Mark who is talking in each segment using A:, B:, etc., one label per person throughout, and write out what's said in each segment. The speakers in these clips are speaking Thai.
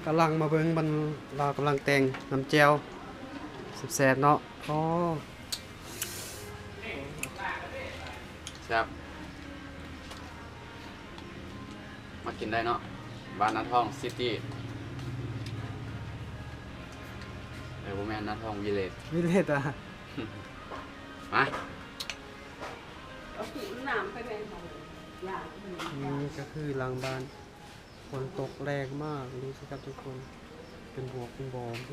A: กำลังมาเบิ่งมันเรากำลังแต่งน้ำแจ่วแซ่บๆเนาะอ๋อ
B: ครับมากินได้เนาะบ้านนาทองซิตี้โบแมนนาทองวิลเลจ
A: วิเลตอ่ะ
B: มา
C: เอาขีดน้ำไปเป็นของยา
A: นี่ก็คือหลังบ้านฝนตกแรงมากดูสิครับทุกคนเป็นบวกเป็นบอม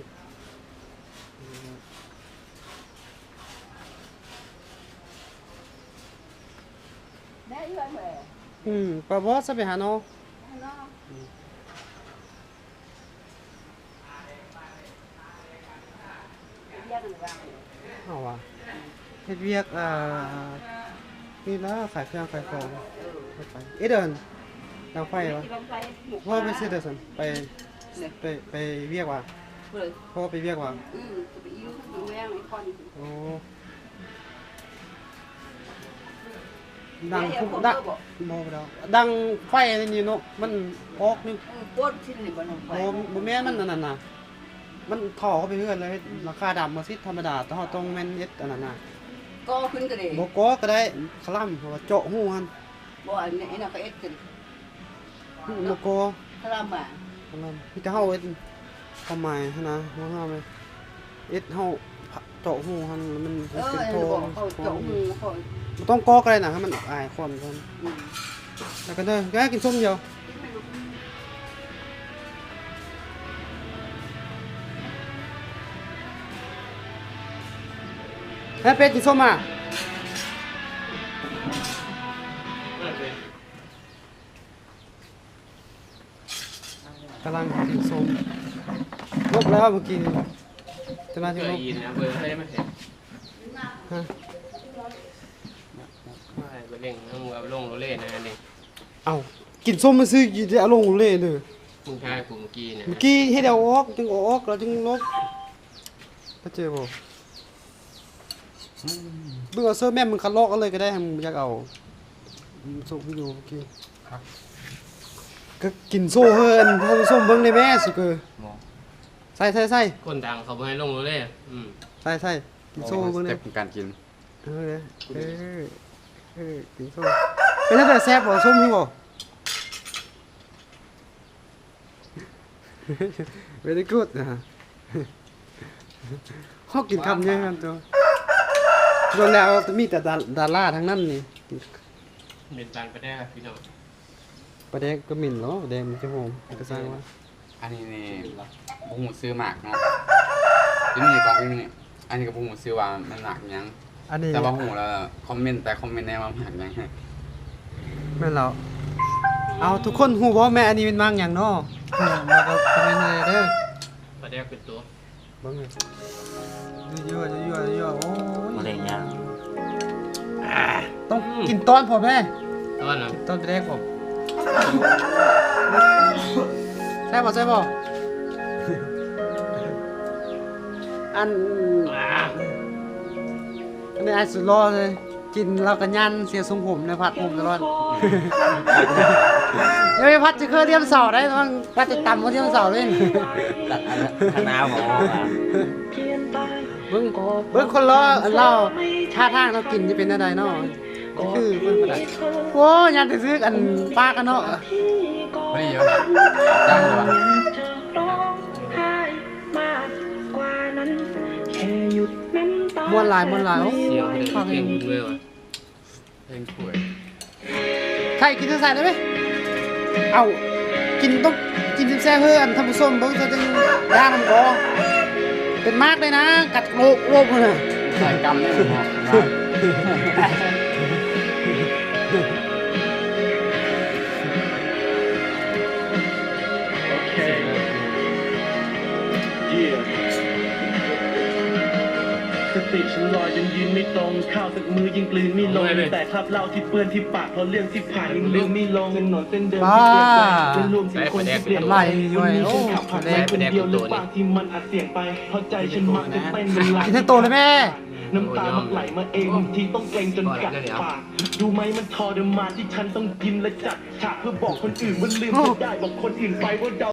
C: ได้เยอะเลย
A: ปลาบอสไปหาเนาะ
C: เนาะแยกกันวาง
A: เอาว่ะเฮ็ดเวียกนี่ละขายเครื่องขายของไปเดินดังไฟวะพ่อไปซื้อเดินไปเวียกว่ะ
C: เลย
A: พ่อไปเวียกว่ะ
C: จะไปยืมแม่ไอ้คน
A: โอ้ดังพุ่งดังโมไปแล้วดังไฟนี่เนาะมันออกนี่
C: ปวดชิ้นนี่บนหนองไฟ
A: โมแม่นมันนั่นน่ะมันถ่อเข้าไปเรื่อยเลยราคาดำมาซิธรรมดาแต่เขาต้องแม่นเย็ดอันนั้นน่ะ
C: ก็ขึ้นกันเลย
A: โมก็ก็ได้คล่ำเพราะว่าเจาะหูมัน
C: บ่อันนี้น่ะก็เอ็ดกัน
A: โมก็
C: ถ้าเรามา
A: คล่ำพี่จะเฮาเอ็ดทำไมนะว่าเฮาไหมเอ็ดเฮาเจาะหูมันมันเป็นโท
C: เขาเจาะหูเขา
A: มันต้องก็ได้นะให้มันอายคนแล้วก็เด้อแกกินส้มเดียวให้เป็ดกินส้มอ่ะกำลังกินส้มลบแล้วเมื่อกี้จะมา
D: เค
A: ที่ล
D: ย
A: บ
D: ยินนะเบอร์ได้ไหมเห็น
A: ฮะ
D: ไม่เบอร์เร่งมึงเอาลงโรเล่นะนี่
A: เอากินส้มมาซื้อจะเอาลงเลยเลย
D: มึงทายกูเมื่อกี้เนี่ย
A: เมื่อกี้ให้เดาออกจึงออกแล้วจึงลบก็เจอบ่เบิ่งเอาเสื้อแม่มึงคัดลอกเอาเลยก็ได้มึงอยากเอาส่งวิดีโอเมื่อกี้ก็กินโซ่เฮินท่านผู้ชมเบิ่งในแม่สิเกอใส่
D: คนดังเขาไม่ให้ลงโรเล่
A: ใส่กินโซ่เบิ่ง
B: ส
A: ใน
B: เต็ปการกิน
A: เออกินโซ่เป็นแล้วแต่แซ่บบ่ส้มนี่บ่ very good นะฮะเขากินคำเยอะกันตัวโดนแล้วมีแต่ดาราทั้งนั้นนี่
D: เป็นตันไปได้ครับพี่น้อง
A: ประเด็กก็หมิ่นเนาะประเด็กมันจะหอมก็สร้างว่า
B: อันนี้นี่บุ้งหมูซื้อหมากเนาะที่นี่กองที่นี่อันนี้กับบุ้งหมูซื้อว่ามันหนักยัง
A: อันนี้
B: แต่ว่าหูแล้วคอมเมนต์แน่ว่าหนักยัง
A: แม่นเราเอาทุกคนฮู้บ่แม่อันนี้เป็นมังหยังเนาะมาก็คอมเมนต์เลยเด้อ
D: ประเดี๋ยวเป็นตัว
A: เบิ่งเลยยั่วโอ้ย
D: มะเร็งยัง
A: ต้องกินตอนพอแม่
D: ต้นนะ
A: ตอนประเด็กผมใช่บ่อันนี้ไอ้สุดรอเลยกินแล้วก็ยันเสียทรงผมในพัดผมตลอดยังไม่พัดจะเคยเรียมเสาได้ต้องพัดจะต่ำกว่าเรียมเสาเลย
D: ตัดคณะผม
A: เบิ่งคนล้อเล่าท่าทางเรากินจะเป็นอะไรเนาะคือเบิ่งบ่ได้โอ้ยันจะซื้ออันปลากันเนาะ
B: ไม่เยอะจ้างเลยวะ
A: ม้วนหลายโอ้
D: เสียง
A: ย
D: เพ
A: ฟัง
D: ล
A: เอง ง
D: ด้วยวะเพลงป่วย
A: ใครกินใส่ได้ไหมเอากินต้องกินแซ่บเพื่ออันทำผสมเบิ่งจะจังย่างมันก็เป็นมากเลยนะกัดโลกเลย
B: ใส่กำได้หมดเนาะ
E: สติฉันลอยจนยืนไม่ตรงข้าวสักมือยิ่งกลืนไม่ลงแต่คราบเหล้าที่เปื้อนที่ปากเพราะเรื่องที่ผ่านยังลืมไม่ลงถนนเส้นเดิมที่เปลี่ยนไปเป็นรวมถึงคนที่เปลี่ยนไปวันนี้ฉันขับผ่านไปคนเดียวหรือบางที่มันอัดเสียงไปเพราะใจฉันมักจะเต้นเป็นลาย
A: กินให้โตเลยแม่
E: น้ำตามันไหลมาเองบางทีต้องเกรงจนกัดปากดูไหมมันทรมานที่ฉันต้องกินและจัดฉากเพื่อบอกคนอื่นว่าลืมไม่ได้บอกคนอื่นไปว่าเรา